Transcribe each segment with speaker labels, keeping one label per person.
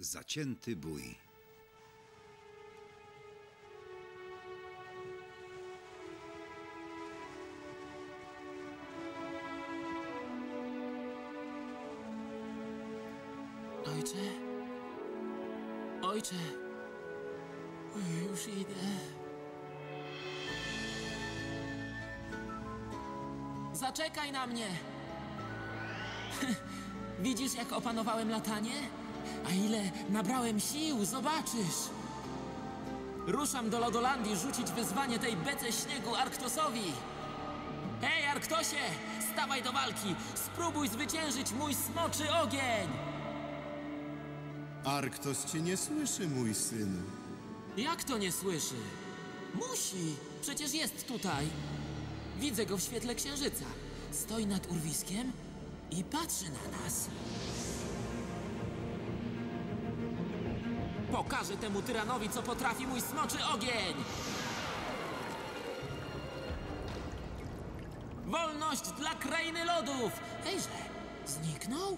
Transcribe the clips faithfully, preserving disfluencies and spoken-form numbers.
Speaker 1: Zacięty bój.
Speaker 2: Ojcze? Ojcze? Już idę. Zaczekaj na mnie! Widzisz, jak opanowałem latanie? A ile nabrałem sił, zobaczysz! Ruszam do Lodolandii rzucić wyzwanie tej bece śniegu Arktosowi! Hej, Arktosie! Stawaj do walki! Spróbuj zwyciężyć mój smoczy ogień!
Speaker 3: Arktos cię nie słyszy, mój synu.
Speaker 2: Jak to nie słyszy? Musi! Przecież jest tutaj! Widzę go w świetle księżyca. Stoi nad urwiskiem i patrzy na nas. Pokażę temu tyranowi, co potrafi mój smoczy ogień! Wolność dla krainy lodów! Hejże, zniknął?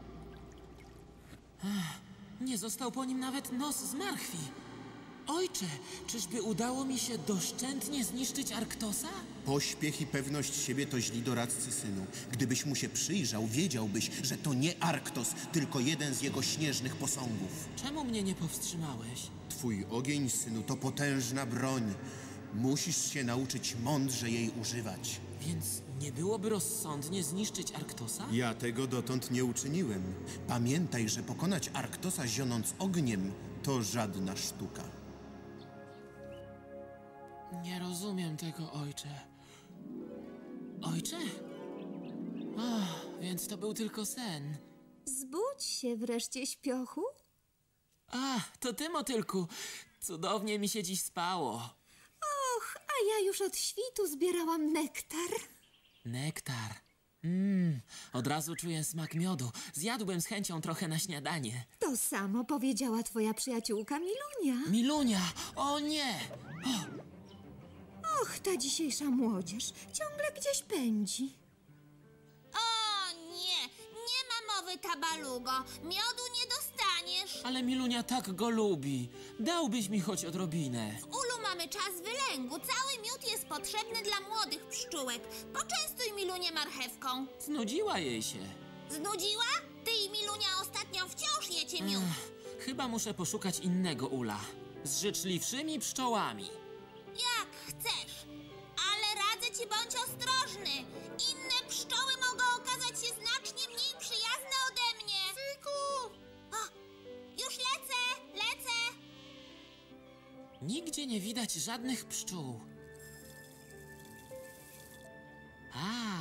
Speaker 2: Ech, nie został po nim nawet nos z marchwi. Ojcze, czyżby udało mi się doszczętnie zniszczyć Arktosa?
Speaker 3: Pośpiech i pewność siebie to źli doradcy, synu. Gdybyś mu się przyjrzał, wiedziałbyś, że to nie Arktos, tylko jeden z jego śnieżnych posągów.
Speaker 2: Czemu mnie nie powstrzymałeś?
Speaker 3: Twój ogień, synu, to potężna broń. Musisz się nauczyć mądrze jej używać.
Speaker 2: Więc nie byłoby rozsądnie zniszczyć Arktosa?
Speaker 3: Ja tego dotąd nie uczyniłem. Pamiętaj, że pokonać Arktosa zionąc ogniem to żadna sztuka.
Speaker 2: Nie rozumiem tego, ojcze. Ojcze? Ach, więc to był tylko sen.
Speaker 4: Zbudź się wreszcie, śpiochu.
Speaker 2: A, to ty, motylku. Cudownie mi się dziś spało.
Speaker 4: Och, a ja już od świtu zbierałam nektar.
Speaker 2: Nektar. Mmm, od razu czuję smak miodu. Zjadłbym z chęcią trochę na śniadanie.
Speaker 4: To samo powiedziała twoja przyjaciółka Milunia.
Speaker 2: Milunia! O nie!
Speaker 4: Och, ta dzisiejsza młodzież ciągle gdzieś pędzi.
Speaker 5: O nie, nie ma mowy, tabalugo. Miodu nie dostaniesz.
Speaker 2: Ale Milunia tak go lubi. Dałbyś mi choć odrobinę.
Speaker 5: W ulu mamy czas wylęgu. Cały miód jest potrzebny dla młodych pszczółek. Poczęstuj Milunię marchewką.
Speaker 2: Znudziła jej się.
Speaker 5: Znudziła? Ty i Milunia ostatnio wciąż jecie miód.
Speaker 2: Ech, chyba muszę poszukać innego ula. Z życzliwszymi pszczołami.
Speaker 5: Jak chcesz. Ale radzę ci, bądź ostrożny. Inne pszczoły mogą okazać się znacznie mniej przyjazne ode mnie. Syku! O, już lecę, lecę.
Speaker 2: Nigdzie nie widać żadnych pszczół. A,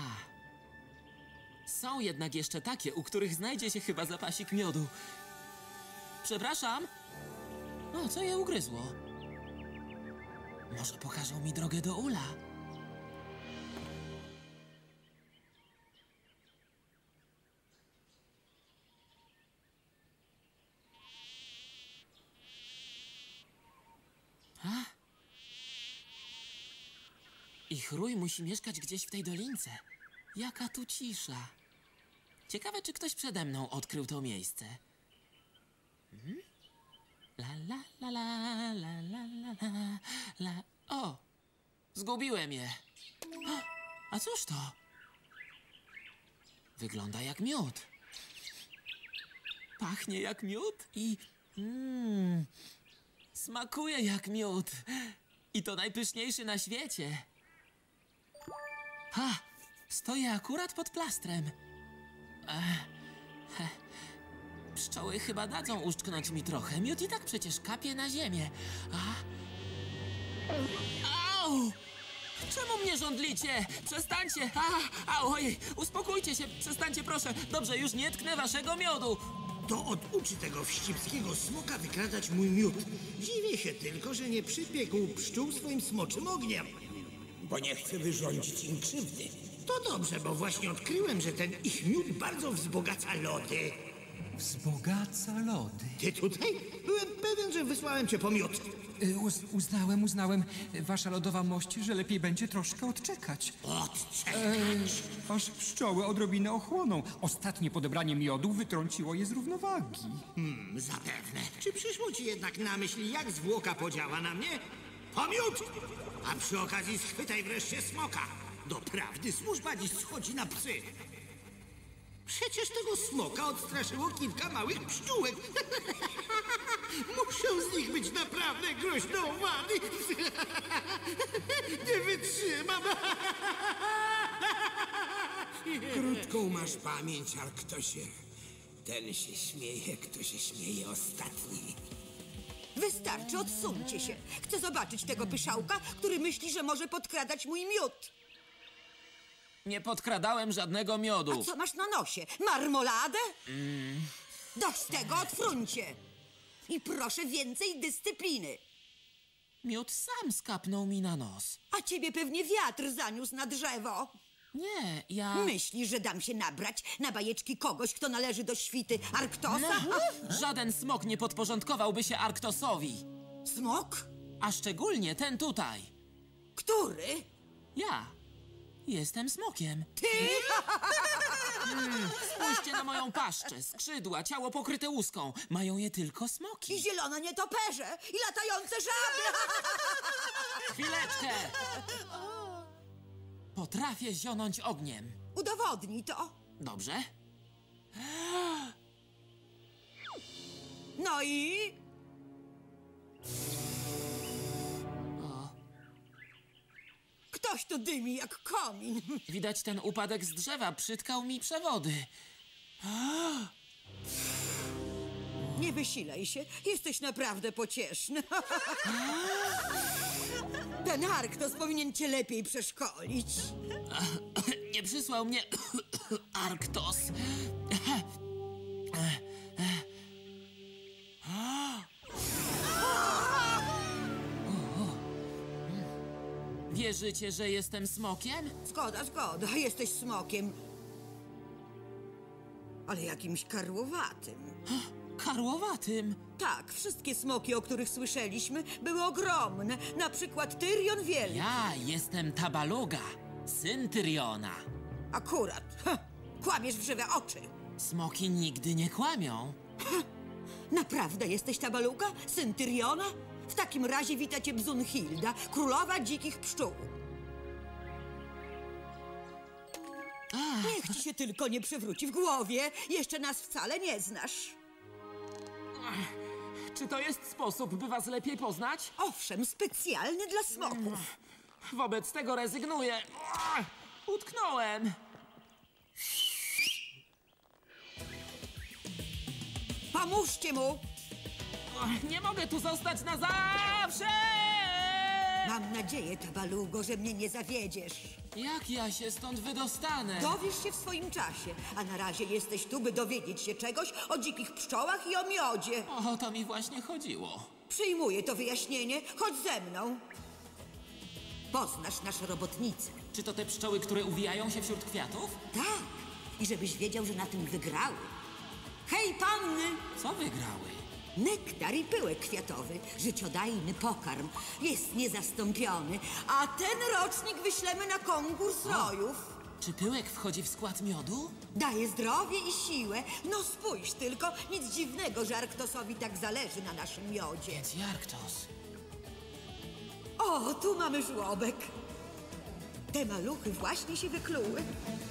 Speaker 2: są jednak jeszcze takie, u których znajdzie się chyba zapasik miodu. Przepraszam. O, co je ugryzło? Może pokażą mi drogę do ula? A? Ich rój musi mieszkać gdzieś w tej dolince. Jaka tu cisza. Ciekawe, czy ktoś przede mną odkrył to miejsce. Hmm? La la la la la la la la la. O! Zgubiłem je. A, a cóż to? Wygląda jak miód. Pachnie jak miód i... Mmm... Smakuje jak miód. I to najpyszniejszy na świecie. Ha! Stoję akurat pod plastrem. Ech, he. Pszczoły chyba dadzą uszczknąć mi trochę. Miód i tak przecież kapie na ziemię. A... Au! Czemu mnie żądlicie? Przestańcie! A, au, ojej, uspokójcie się, przestańcie proszę. Dobrze, już nie tknę waszego miodu.
Speaker 6: To oduczy tego wścibskiego smoka wykradać mój miód. Dziwię się tylko, że nie przypiekł pszczół swoim smoczym ogniem.
Speaker 7: Bo nie chce wyrządzić im krzywdy.
Speaker 6: To dobrze, bo właśnie odkryłem, że ten ich miód bardzo wzbogaca lody.
Speaker 1: wzbogaca lody.
Speaker 6: Ty tutaj? Byłem pewien, że wysłałem cię po miód.
Speaker 1: Y, Uz, uznałem, uznałem, y, wasza lodowa mość, że lepiej będzie troszkę odczekać.
Speaker 6: Odczekać.
Speaker 1: Aż pszczoły odrobinę ochłoną. Ostatnie podebranie miodu wytrąciło je z równowagi.
Speaker 6: Hmm, zapewne. Czy przyszło ci jednak na myśl, jak zwłoka podziała na mnie? Po miód! A przy okazji schwytaj wreszcie smoka. Doprawdy służba dziś schodzi na psy. Przecież tego smoka odstraszyło kilka małych pszczółek. Muszą z nich być naprawdę groźne owady. Nie wytrzymam.
Speaker 7: Krótką masz pamięć, Arktosie. Ten się śmieje, kto się śmieje ostatni.
Speaker 8: Wystarczy, odsuńcie się. Chcę zobaczyć tego pyszałka, który myśli, że może podkradać mój miód.
Speaker 2: Nie podkradałem żadnego miodu.
Speaker 8: Co masz na nosie? Marmoladę? Mm. Dość tego, odfruncie. I proszę więcej dyscypliny.
Speaker 2: Miód sam skapnął mi na nos.
Speaker 8: A ciebie pewnie wiatr zaniósł na drzewo.
Speaker 2: Nie, ja...
Speaker 8: Myślisz, że dam się nabrać na bajeczki kogoś, kto należy do świty Arktosa?
Speaker 2: Żaden smok nie podporządkowałby się Arktosowi.
Speaker 8: Smok?
Speaker 2: A szczególnie ten tutaj.
Speaker 8: Który?
Speaker 2: Ja. Jestem smokiem.
Speaker 8: Ty?
Speaker 2: Mm, spójrzcie na moją paszczę, skrzydła, ciało pokryte łuską. Mają je tylko
Speaker 8: I
Speaker 2: smoki.
Speaker 8: zielone nietoperze, i latające żaby.
Speaker 2: Chwileczkę! Potrafię zionąć ogniem.
Speaker 8: Udowodnij to.
Speaker 2: Dobrze?
Speaker 8: No i... Ktoś tu dymi jak komin.
Speaker 2: Widać, ten upadek z drzewa przytkał mi przewody.
Speaker 8: Nie wysilaj się, jesteś naprawdę pocieszny. Ten Arktos powinien cię lepiej przeszkolić.
Speaker 2: Nie przysłał mnie Arktos. Wierzycie, że jestem smokiem?
Speaker 8: Zgoda, zgoda, jesteś smokiem. Ale jakimś karłowatym.
Speaker 2: Karłowatym.
Speaker 8: Tak, wszystkie smoki, o których słyszeliśmy, były ogromne. Na przykład Tyrion Wielki.
Speaker 2: Ja jestem Tabaluga, syn Tyriona.
Speaker 8: Akurat. Ha, kłamiesz w żywe oczy.
Speaker 2: Smoki nigdy nie kłamią.
Speaker 8: Naprawdę jesteś Tabaluga, syn Tyriona? W takim razie wita cię Bzunhilda, królowa dzikich pszczół. Niech ci się tylko nie przewróci w głowie. Jeszcze nas wcale nie znasz.
Speaker 2: Czy to jest sposób, by was lepiej poznać?
Speaker 8: Owszem, specjalny dla smoków.
Speaker 2: Wobec tego rezygnuję. Utknąłem.
Speaker 8: Pomóżcie mu!
Speaker 2: Nie mogę tu zostać na zawsze!
Speaker 8: Mam nadzieję, Tabalugo, że mnie nie zawiedziesz.
Speaker 2: Jak ja się stąd wydostanę?
Speaker 8: Dowiesz się w swoim czasie, a na razie jesteś tu, by dowiedzieć się czegoś o dzikich pszczołach i o miodzie.
Speaker 2: O to mi właśnie chodziło.
Speaker 8: Przyjmuję to wyjaśnienie. Chodź ze mną. Poznasz nasze robotnice.
Speaker 2: Czy to te pszczoły, które uwijają się wśród kwiatów?
Speaker 8: Tak. I żebyś wiedział, że na tym wygrały. Hej, panny!
Speaker 2: Co wygrały?
Speaker 8: Nektar i pyłek kwiatowy, życiodajny pokarm, jest niezastąpiony, a ten rocznik wyślemy na konkurs rojów.
Speaker 2: Czy pyłek wchodzi w skład miodu?
Speaker 8: Daje zdrowie i siłę. No spójrz tylko, nic dziwnego, że Arktosowi tak zależy na naszym miodzie.
Speaker 2: Więc Arktos.
Speaker 8: O, tu mamy żłobek. Te maluchy właśnie się wykluły.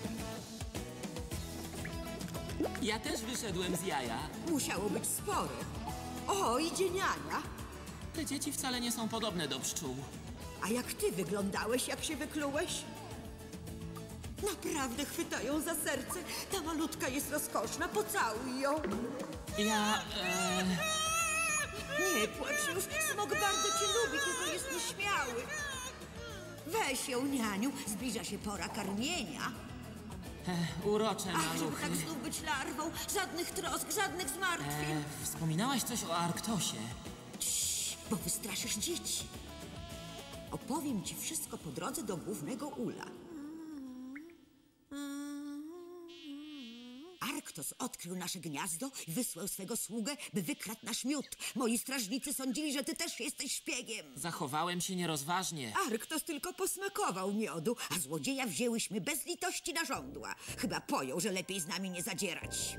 Speaker 2: Ja też wyszedłem z jaja.
Speaker 8: Musiało być spore. O, idzie niania.
Speaker 2: Te dzieci wcale nie są podobne do pszczół.
Speaker 8: A jak ty wyglądałeś, jak się wyklułeś? Naprawdę chwytają za serce. Ta malutka jest rozkoszna, pocałuj ją.
Speaker 2: Ja... E...
Speaker 8: Nie płacz już, smok bardzo cię lubi, tylko jest nieśmiały. Weź ją, nianiu, zbliża się pora karmienia.
Speaker 2: E, urocze
Speaker 8: Ach, żeby
Speaker 2: maluchy.
Speaker 8: tak znów być larwą, żadnych trosk, żadnych zmartwień.
Speaker 2: E, wspominałaś coś o Arktosie.
Speaker 8: Cii, bo wystraszysz dzieci. Opowiem ci wszystko po drodze do głównego ula. Arktos Arktos odkrył nasze gniazdo i wysłał swego sługę, by wykradł nasz miód. Moi strażnicy sądzili, że ty też jesteś szpiegiem.
Speaker 2: Zachowałem się nierozważnie.
Speaker 8: Arktos tylko posmakował miodu, a złodzieja wzięłyśmy bez litości na żądła. Chyba pojął, że lepiej z nami nie zadzierać.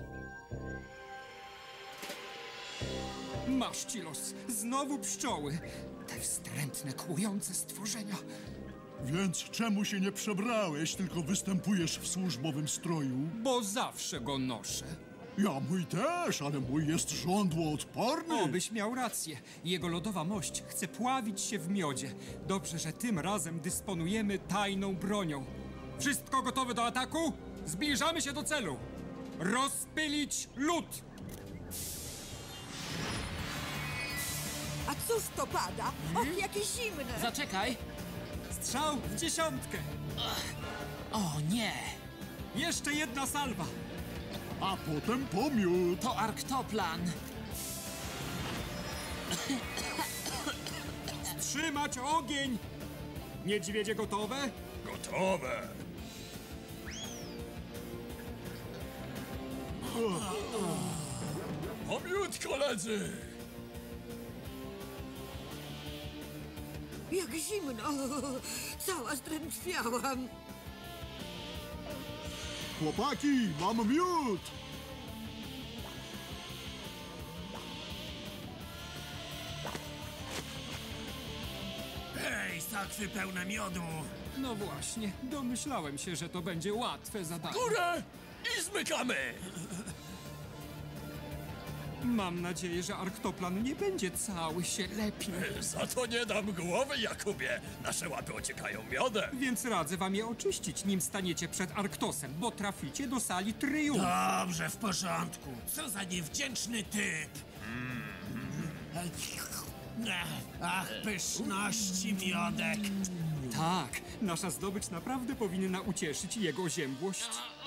Speaker 1: Masz ci los. Znowu pszczoły. Te wstrętne, kłujące stworzenia.
Speaker 9: Więc czemu się nie przebrałeś, tylko występujesz w służbowym stroju?
Speaker 1: Bo zawsze go noszę.
Speaker 9: Ja mój też, ale mój jest żądłoodporny.
Speaker 1: Obyś miał rację. Jego lodowa mość chce pławić się w miodzie. Dobrze, że tym razem dysponujemy tajną bronią. Wszystko gotowe do ataku? Zbliżamy się do celu. Rozpylić lód!
Speaker 8: A cóż to pada? Och, jakie zimne!
Speaker 2: Zaczekaj!
Speaker 1: Strzał w dziesiątkę!
Speaker 2: O nie!
Speaker 1: Jeszcze jedna salwa!
Speaker 9: A potem pomiód.
Speaker 2: To Arktoplan!
Speaker 1: Trzymać ogień! Niedźwiedzie gotowe?
Speaker 9: Gotowe. Pomiód, koledzy!
Speaker 8: Jak zimno! Cała zdrętwiałam.
Speaker 9: Chłopaki, mam miód!
Speaker 6: Hej, sakwy pełne miodu!
Speaker 1: No właśnie, domyślałem się, że to będzie łatwe zadanie.
Speaker 9: Górę i zmykamy!
Speaker 1: Mam nadzieję, że Arktoplan nie będzie cały się lepił.
Speaker 9: Za to nie dam głowy, Jakubie. Nasze łapy ociekają miodem.
Speaker 1: Więc radzę wam je oczyścić, nim staniecie przed Arktosem, bo traficie do sali triumfu.
Speaker 6: Dobrze, w porządku. Co za niewdzięczny typ. Ach, pyszności miodek.
Speaker 1: Tak, nasza zdobycz naprawdę powinna ucieszyć jego ziębłość.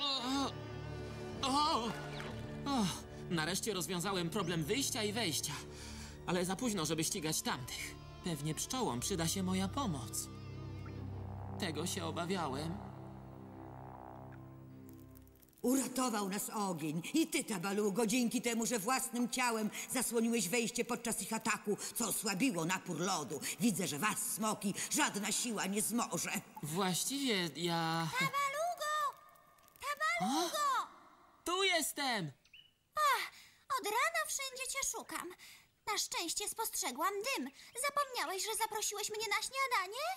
Speaker 2: O! O! Nareszcie rozwiązałem problem wyjścia i wejścia. Ale za późno, żeby ścigać tamtych. Pewnie pszczołom przyda się moja pomoc. Tego się obawiałem.
Speaker 8: Uratował nas ogień. I ty, Tabalugo, dzięki temu, że własnym ciałem zasłoniłeś wejście podczas ich ataku, co osłabiło napór lodu. Widzę, że was, smoki, żadna siła nie zmoże.
Speaker 2: Właściwie ja...
Speaker 5: Tabalugo! Tabalugo!
Speaker 2: Tu jestem!
Speaker 5: Ach, od rana wszędzie cię szukam. Na szczęście spostrzegłam dym. Zapomniałeś, że zaprosiłeś mnie na śniadanie?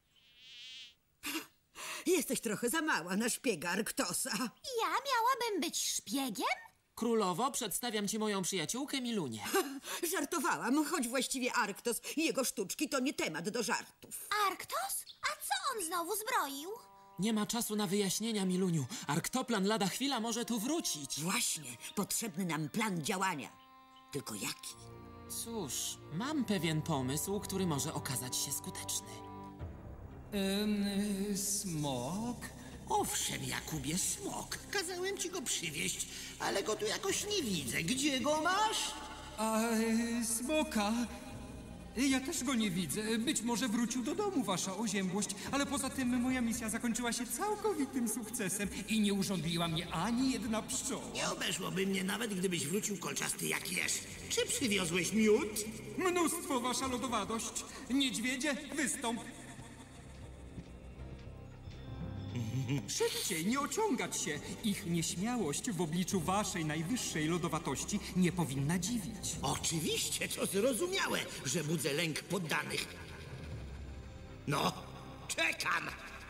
Speaker 8: Jesteś trochę za mała na szpiega Arktosa.
Speaker 5: Ja miałabym być szpiegiem?
Speaker 2: Królowo, przedstawiam ci moją przyjaciółkę Milunię.
Speaker 8: Żartowałam, choć właściwie Arktos i jego sztuczki to nie temat do żartów.
Speaker 5: Arktos? A co on znowu zbroił?
Speaker 2: Nie ma czasu na wyjaśnienia, Miluniu. Arktoplan lada chwila może tu wrócić.
Speaker 8: Właśnie, potrzebny nam plan działania. Tylko jaki?
Speaker 2: Cóż, mam pewien pomysł, który może okazać się skuteczny.
Speaker 1: Ym, smok?
Speaker 6: Owszem, Jakubie, smok. Kazałem ci go przywieźć, ale go tu jakoś nie widzę. Gdzie go masz?
Speaker 1: A y, smoka? Ja też go nie widzę. Być może wrócił do domu, wasza oziębłość, ale poza tym moja misja zakończyła się całkowitym sukcesem i nie urządliła mnie ani jedna pszczoła.
Speaker 6: Nie obeszłoby mnie nawet, gdybyś wrócił kolczasty jak jesz. Czy przywiozłeś miód?
Speaker 1: Mnóstwo, wasza lodowadość. Niedźwiedzie, wystąp. Szybciej, nie ociągać się. Ich nieśmiałość w obliczu waszej najwyższej lodowatości nie powinna dziwić.
Speaker 6: Oczywiście, to zrozumiałe, że budzę lęk poddanych. No, czekam.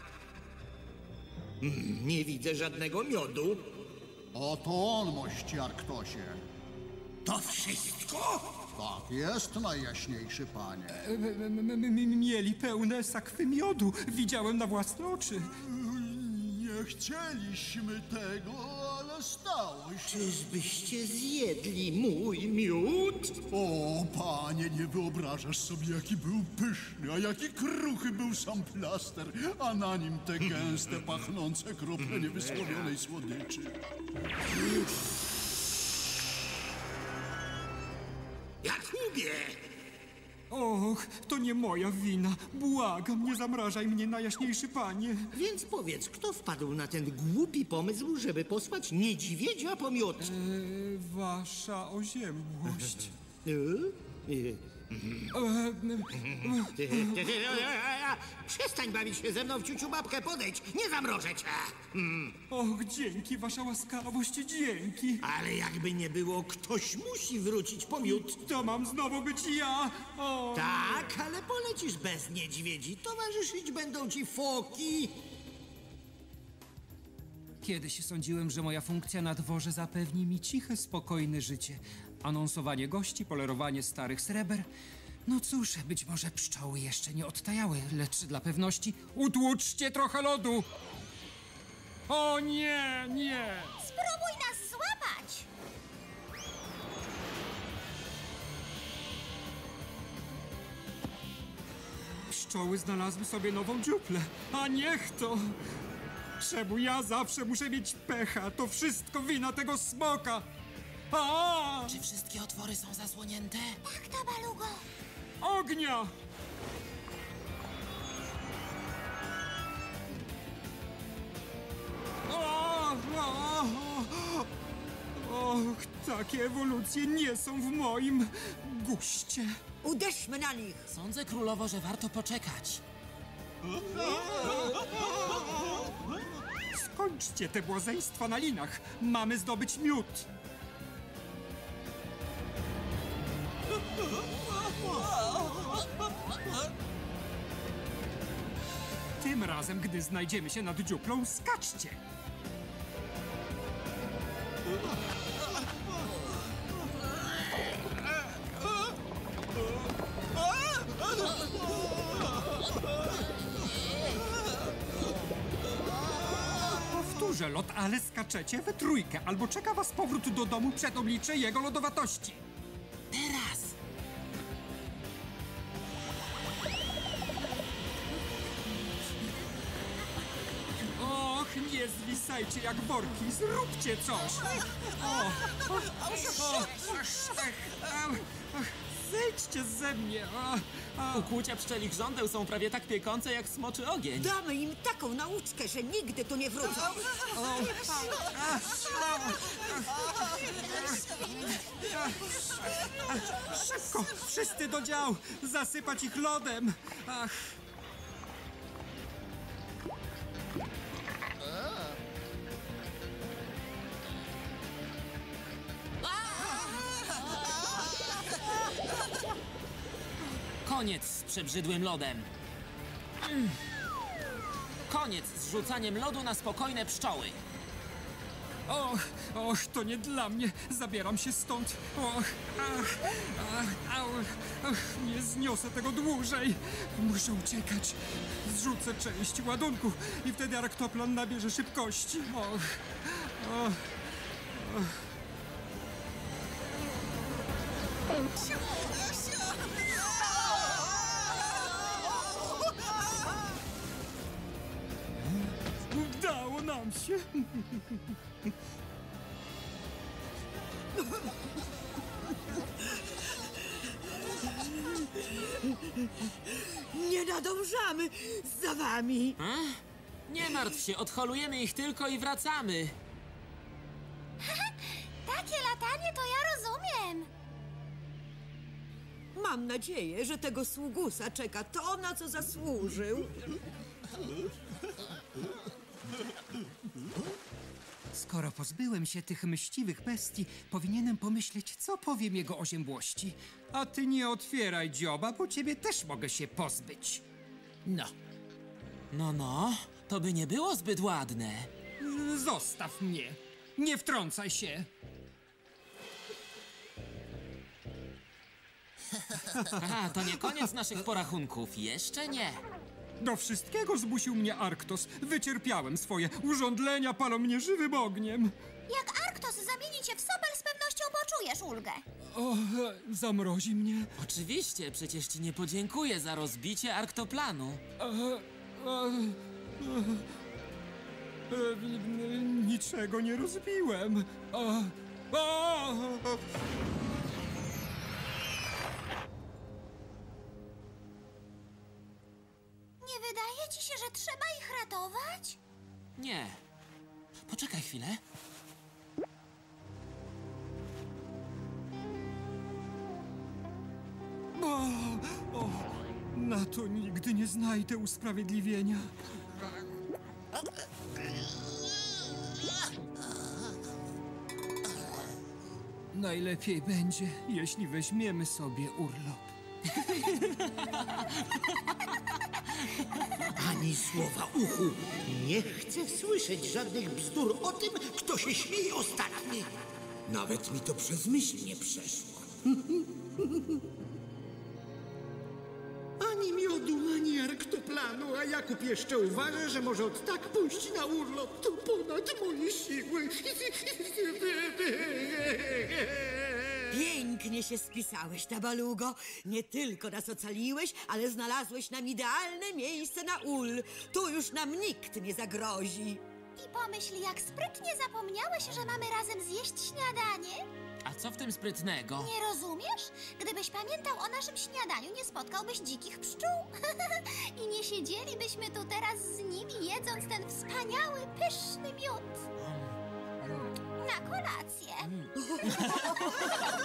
Speaker 6: Mm, Nie widzę żadnego miodu.
Speaker 10: Oto on, mości Arktosie.
Speaker 6: To wszystko?
Speaker 10: Tak jest, najjaśniejszy panie.
Speaker 1: M- m- m- Mieli pełne sakwy miodu. Widziałem na własne oczy.
Speaker 9: Nie chcieliśmy tego, ale stało się.
Speaker 6: Czyżbyście zjedli mój miód?
Speaker 9: O, panie, nie wyobrażasz sobie, jaki był pyszny, a jaki kruchy był sam plaster, a na nim te gęste, pachnące krople niewysłowionej słodyczy.
Speaker 6: Jakubie!
Speaker 1: Och, to nie moja wina. Błagam, nie zamrażaj mnie, najjaśniejszy panie.
Speaker 6: Więc powiedz, kto wpadł na ten głupi pomysł, żeby posłać niedźwiedzia po miód?
Speaker 1: E, wasza oziębłość.
Speaker 6: E? E,
Speaker 1: E,
Speaker 6: Ty, ty, ty, przestań bawić się ze mną w ciuciu babkę, podejdź, nie zamrożę cię. Mm.
Speaker 1: och, dzięki, wasza łaskawość, dzięki.
Speaker 6: Ale jakby nie było, ktoś musi wrócić po miód.
Speaker 1: To mam znowu być ja. O.
Speaker 6: Tak, ale polecisz bez niedźwiedzi. Towarzyszyć będą ci foki.
Speaker 1: Kiedyś sądziłem, że moja funkcja na dworze zapewni mi ciche, spokojne życie. Anonsowanie gości, polerowanie starych sreber. No cóż, być może pszczoły jeszcze nie odtajały, lecz dla pewności utłuczcie trochę lodu. O nie, nie.
Speaker 5: Spróbuj nas złapać!
Speaker 1: Pszczoły znalazły sobie nową dziuplę, a niech to. Czemu ja zawsze muszę mieć pecha? To wszystko wina tego smoka. A!
Speaker 2: Czy wszystkie otwory są zasłonięte?
Speaker 5: Tak, Tabalugo.
Speaker 1: Ognia! O, o, o. Och, takie ewolucje nie są w moim guście.
Speaker 8: Uderzmy na nich!
Speaker 2: Sądzę, królowo, że warto poczekać.
Speaker 1: Skończcie te błazeństwa na linach. Mamy zdobyć miód. Tym razem, gdy znajdziemy się nad dziuplą, skaczcie. Powtórzę lot, ale skaczecie we trójkę, albo czeka was powrót do domu przed oblicze jego lodowatości.
Speaker 2: Teraz!
Speaker 1: Och, nie zwisajcie jak worki, zróbcie coś! O, o, o, o, zejdźcie ze mnie! O, o.
Speaker 2: Ukłucia pszczelich żądeł są prawie tak piekące jak smoczy ogień.
Speaker 8: Damy im taką nauczkę, że nigdy tu nie wrócą.
Speaker 1: Szybko, wszyscy do dział! Zasypać ich lodem! Ach.
Speaker 2: Koniec z przebrzydłym lodem. Mm. Koniec z rzucaniem lodu na spokojne pszczoły.
Speaker 1: Och, och, to nie dla mnie. Zabieram się stąd. Och, ach, ach, au, ach, nie zniosę tego dłużej. Muszę uciekać. Zrzucę część ładunku i wtedy arktoplan nabierze szybkości. Och, och, och. Udało nam się.
Speaker 8: Nie nadążamy za wami.
Speaker 2: A? Nie martw się, odholujemy ich tylko i wracamy.
Speaker 5: Takie latanie to ja rozumiem.
Speaker 8: Mam nadzieję, że tego sługusa czeka to, na co zasłużył.
Speaker 1: Skoro pozbyłem się tych mściwych bestii, powinienem pomyśleć, co powiem jego oziębłości. A ty nie otwieraj dzioba, bo ciebie też mogę się pozbyć. No,
Speaker 2: No, no, to by nie było zbyt ładne.
Speaker 1: zostaw mnie. Nie wtrącaj się.
Speaker 2: Aha, to nie koniec naszych porachunków. Jeszcze nie.
Speaker 1: Do wszystkiego zmusił mnie Arktos. Wycierpiałem swoje. Urządlenia palą mnie żywym ogniem.
Speaker 5: Jak Arktos zamieni cię w sobel, z pewnością poczujesz ulgę.
Speaker 1: O, zamrozi mnie.
Speaker 2: Oczywiście, przecież ci nie podziękuję za rozbicie arktoplanu.
Speaker 1: E, e, e, e, niczego nie rozbiłem. E, e,
Speaker 5: Nie wydaje ci się, że trzeba ich ratować?
Speaker 2: Nie. Poczekaj chwilę.
Speaker 1: O, o, na to nigdy nie znajdę usprawiedliwienia. Najlepiej będzie, jeśli weźmiemy sobie urlop.
Speaker 6: Ani słowa uchu. Nie chcę słyszeć żadnych bzdur o tym, kto się śmieje ostatni.
Speaker 7: Nawet mi to przez myśl nie przeszło.
Speaker 6: Ani miodu, ani arktoplanu, a Jakub jeszcze uważa, że może od tak pójść na urlop. To ponad moje siły.
Speaker 8: Pięknie się spisałeś, Tabalugo. Nie tylko nas ocaliłeś, ale znalazłeś nam idealne miejsce na ul. Tu już nam nikt nie zagrozi.
Speaker 5: I pomyśl, jak sprytnie zapomniałeś, że mamy razem zjeść śniadanie.
Speaker 2: A co w tym sprytnego?
Speaker 5: Nie rozumiesz? Gdybyś pamiętał o naszym śniadaniu, nie spotkałbyś dzikich pszczół. I nie siedzielibyśmy tu teraz z nimi, jedząc ten wspaniały, pyszny miód. Na kolację.